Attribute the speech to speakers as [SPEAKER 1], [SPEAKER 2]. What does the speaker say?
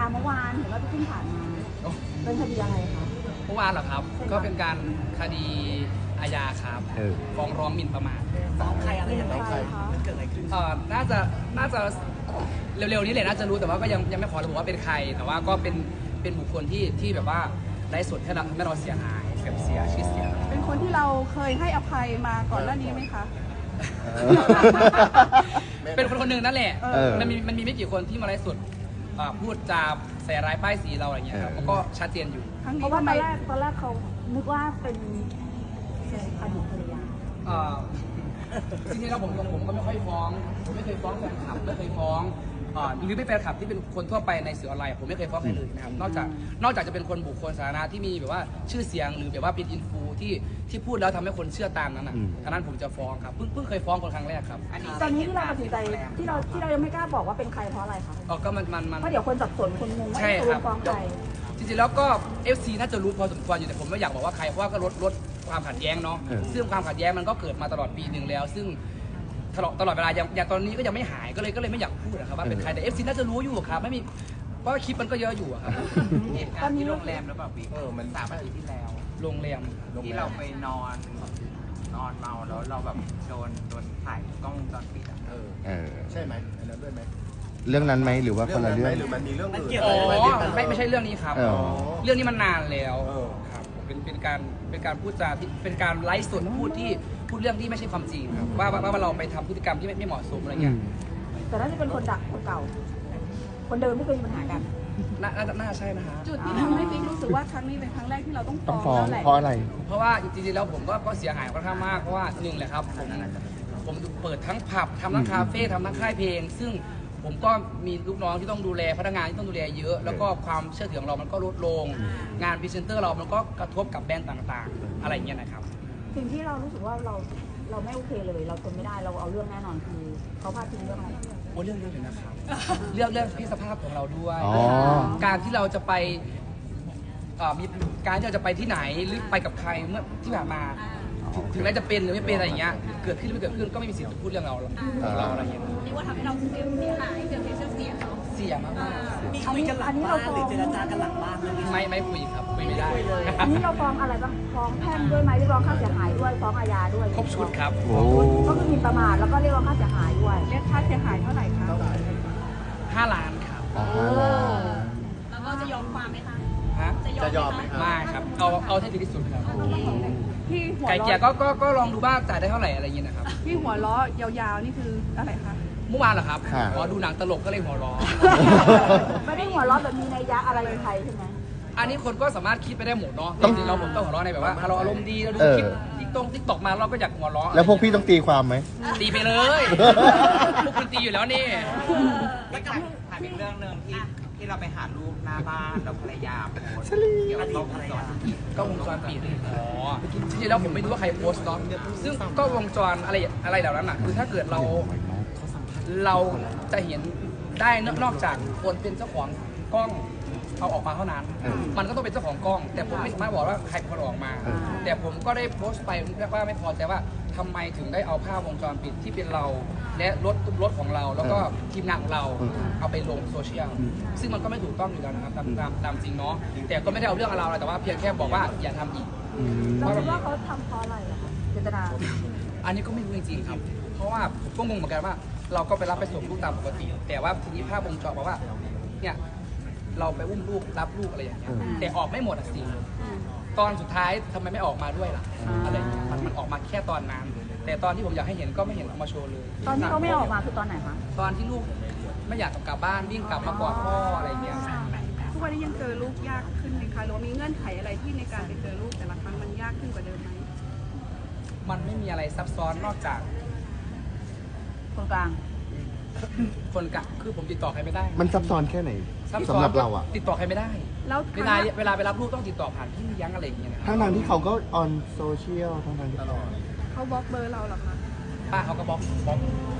[SPEAKER 1] เมื่อวานเห็นว่าพี่ขึ้นศาลมาเป็นคดีอะไรคะ
[SPEAKER 2] เมื่อวานเหรอครับก็เป็นการคดีอาญาครับฟ้องร้องหมิ่นประมาท
[SPEAKER 3] ฟ้องใครอะไรอย่างไรมันเกิดอะไรขึ้น
[SPEAKER 2] น่าจะเร็วๆนี้เลยน่าจะรู้แต่ว่าก็ยังไม่ขอระบุว่าเป็นใครแต่ว่าก็เป็นบุคคลที่แบบว่าได้ส่วนให้เราเสียหายเสียชื่อเสียง
[SPEAKER 1] เป็นคนที่เราเคยให้อภัยมาก่อนหน้านี้ไหมคะ
[SPEAKER 2] เป็นคนหนึ่งนั่นแหละมันมีไม่กี่คนที่มาไลฟ์สดพูดจาใส่ร้ายป้ายสีเราอะไรเงี้ยครับก็ชัดเจนอยู่
[SPEAKER 1] เพราะว่าตอนแรกเขานึกว่าเป็นอดีตภรรยา
[SPEAKER 2] จริงๆแล้วผมก็ไม่ค่อยฟ้องผมไม่เคยฟ้องแฟนคลับไม่เคยฟ้องหรือไม่แฟนคลับที่เป็นคนทั่วไปในสื่อออนไลน์ผมไม่เคยฟ้องใครเลยนะครับนอกจากจะเป็นคนบุคคลสาธารณะที่มีแบบว่าชื่อเสียงหรือแบบว่าเป็นอินฟูที่พูดแล้วทำให้คนเชื่อตามนั้นอันนั้นผมจะฟ้องครับเพิ่งเคยฟ้องคนครั้งแรกครับ
[SPEAKER 1] ตอนนี้ที่เราตัดสินใจที่เรายังไม่กล้าบอกว่าเป็นใครเพราะอะไรคะ
[SPEAKER 2] ก็มัน
[SPEAKER 1] เพราะเดี๋ยวคนสับสนคนงงว่าจะฟ้องใคร
[SPEAKER 2] จริงๆแล้วก็ FC น่าจะรู้พอสมควรอยู่แต่ผมไม่อยากบอกว่าใครเพราะว่าก็ลดความขัดแย้งเนาะซึ่งความขัดแย้งมันก็เกิดมาตลอดปีหนึ่งแล้วซึ่งตลอดเวลาอย่างตอนนี้ก็ยังไม่หายก็เลยไม่อยากพูดนะครับว่าเป็นใครแต่ FC น่าจะรู้อยู่ครับไม่มีเพราะคลิปมันก็เยอะอยู่ครับ
[SPEAKER 3] เหตุการณ์ที่โรงแรมแล้วแบบมัน3 อาทิตย์ที่แล้ว
[SPEAKER 2] โรงแรม
[SPEAKER 3] ที่เราไปนอนเมาแล้วเราแบบโดนถ่ายกล้องวงจรปิด
[SPEAKER 4] ใช่ไหมอันนั้นด้วยไหม
[SPEAKER 5] เรื่องนั้นไหมหรือว่าคนละเรื่อง
[SPEAKER 4] หรือมันมีเรื่องอื่น
[SPEAKER 2] ไม่ใช่เรื่องนี้ครับเรื่องนี้มันนานแล้วครับเป็นการพูดจาที่เป็นการไลฟ์สดพูดเรื่องที่ไม่ใช่ความจริงครับว่าเราไปทำพฤติกรรมที่ไม่เหมาะสมอะไรเงี้ย
[SPEAKER 1] แต่น่าจะเป็นคนดักคนเก่าคนเดิมไม่เคยมีปัญหากัน
[SPEAKER 2] น่าใช่นะฮะ
[SPEAKER 1] จุดที่ทำให้ปิ๊กรู้สึกว่าครั้งนี้เป็นครั้งแรกที่เราต้อง
[SPEAKER 5] ฟ้องเพราะอะไร
[SPEAKER 2] เพราะว่าจริงๆแล้วผมก็เสียหายค่อนข้างมากเพราะว่าหนึ่งแหละครับผมเปิดทั้งผับทำทั้งคาเฟ่ทำทั้งค่ายเพลงซึ่งผมก็มีลูกน้องที่ต้องดูแลพนักงานที่ต้องดูแลเยอะแล้วก็ความเชื่อถือของเรามันก็ลดลงงานพรีเซนเตอร์เรามันก็กระทบกับแบรนด์ต่างๆอะไรอย่างเงี้ยนะครับ
[SPEAKER 1] สิ่งที่เรารู้สึกว่าเราไม่โอเคเลยเราทนไม่ได้เราเอาเรื่องแน่นอนคือเขาพาดพิงเรื่องอะไร
[SPEAKER 2] เรื่องเลยนะครับเรื่องเพศสภาพของเราด้วยการที่เราจะไปมีการที่เราจะไปที่ไหนหรือไปกับใครเมื่อที่ผ่านมาถึงแม้จะเป็นหรือไม่เป็นอะไรอย่างเงี้ยเกิดขึ้นหรือไม่เกิดขึ้นก็ไม่มีสิทธิ์จะพูดเรื่องเราอะไรอย่างเงี้ย
[SPEAKER 6] นี่ว่าทำให้เราเสียหายเกิดเสีย
[SPEAKER 2] เสียมาก
[SPEAKER 3] มีคุยกันหลังบ้านหรือเจรจากันหลังบ้าน
[SPEAKER 2] ไม่คุยครับคุยไม่ได้
[SPEAKER 1] อันนี้เราฟ้องอะไรบ้างฟ้องแพ่งด้วยไหมเรียกร้องค่าเสียหายด้วยฟ้องอาญาด้วย
[SPEAKER 2] ครบชุดครับ
[SPEAKER 1] ก็คือมีประมาทแล้วก็เรียกร้องค่าเสียหายด้วยเรียกค่าเสียหายเท่าไหร่คะ
[SPEAKER 2] 5 ล้านครับ
[SPEAKER 6] แล้วก็จะยอมความไหมคะ
[SPEAKER 4] จะยอมไหม
[SPEAKER 2] ไม่ครับเอาให้ดีที่สุดครับไก่เกียร์ก็ลองดูบ้างจ่ายได้เท่าไหร่อะไรอย่างเงี้ยนะครับ
[SPEAKER 1] ที่หัวล้อยาวๆนี่คืออะไรคะ
[SPEAKER 2] เมื่อวานเหรอครับดูหนังตลกก็เลยหัวล้อ
[SPEAKER 1] ไม่ได้หัวล้อแบบมีนัยยะอะไรใครใช่ไหม
[SPEAKER 2] อันนี้คนก็สามารถคิดไปได้หมดเนาะจริงๆเราผมต้องหัวล้อในแบบว่าเราอารมณ์ดีเราดูคลิปติ๊กตอกมาเราก็อยากหัวล้อ
[SPEAKER 5] แล้วพวกพี่ต้องตีความไหม
[SPEAKER 2] ตีไปเลยพวกคุณตีอยู่แล้วนี่
[SPEAKER 3] แล้วก็ถามอีกเรื่องนึงที่เราไปหาลูกหน้าบ้านเราภรรยาโพสเกี่ยวกับกล้องวงจรปิดจริงๆแล้วผมไม่รู้ว่าใครโพสต์เนาะซึ่งก็วงจรอะไรเหล่านั้นอ่ะคือถ้าเกิดเราจะเห็นได้นอกจากคนเป็นเจ้าของกล้องเอาออกมาเท่านั้นมันก็ต้องเป็นเจ้าของกล้องแต่ผมไม่สามารถบอกว่าใครเป็นคนออกมาแต่ผมก็ได้โพสต์ไปว่าไม่พอใจว่าทำไมถึงได้เอาภาพวงจรปิดที่เป็นเราและรถของเราแล้วก็ทีมงานของเราเอาไปลงโซเชียลซึ่งมันก็ไม่ถูกต้องอยู่แล้วนะครับตามจริงเนาะแต่ก็ไม่ได้เอาเรื่องเราแต่ว่าเพียงแค่บอกว่าอย่าทำอีก
[SPEAKER 1] เราคิดว่าเขาทำเพราะอะไรอะคะเจตนา
[SPEAKER 2] อันนี้ก็ไม่รู้จริงๆครับเพราะว่าผมก็งงเหมือนกันว่าเราก็ไปรับไปส่งลูกตามปกติแต่ว่าทีนี้ภาพวงจรบอกว่าเนี่ยเราไปอุ้มลูกรับลูกอะไรอย่างเงี้ยแต่ออกไม่หมดสิตอนสุดท้ายทำไมไม่ออกมาด้วยล่ะอะไรอย่างเงี้ยมันออกมาแค่ตอนนั้นแต่ตอนที่ผมอยากให้เห็นก็ไม่เห็นออกมาโชว์เลย
[SPEAKER 1] ตอนที่เขาไม่ออกมาคือตอนไหนคะ
[SPEAKER 2] ตอนที่ลูกไม่อยากกลับบ้านวิ่งกลับมากอดพ่ออะไรอย่างเงี้ย
[SPEAKER 1] ทุกวันนี้ยังเจอลูกยากขึ้นไหมคะหรือว่ามีเงื่อนไขอะไรที่ในการไปเจอลูกแต่ละครั้งมันยากขึ้นกว่าเดิมไหม
[SPEAKER 2] มันไม่มีอะไรซับซ้อนนอกจาก
[SPEAKER 1] คนกลาง
[SPEAKER 2] คือผมติดต่อใครไม่ได้
[SPEAKER 5] มันซับซ้อนแค่ไหนสำหรับเราอะ
[SPEAKER 2] ติดต่อใครไม่ได้แล้วเวลาไปรับลูกต้องติดต่อผ่านพี่เลี้ยงอะไรอย่างเงี้ยนะ
[SPEAKER 5] ทั้งที่เขาก็ออนโซเชียลทั้งที่
[SPEAKER 1] เขาบล็อกเบอร์เราหรอคะ
[SPEAKER 2] ป้าเขาก็บล็อก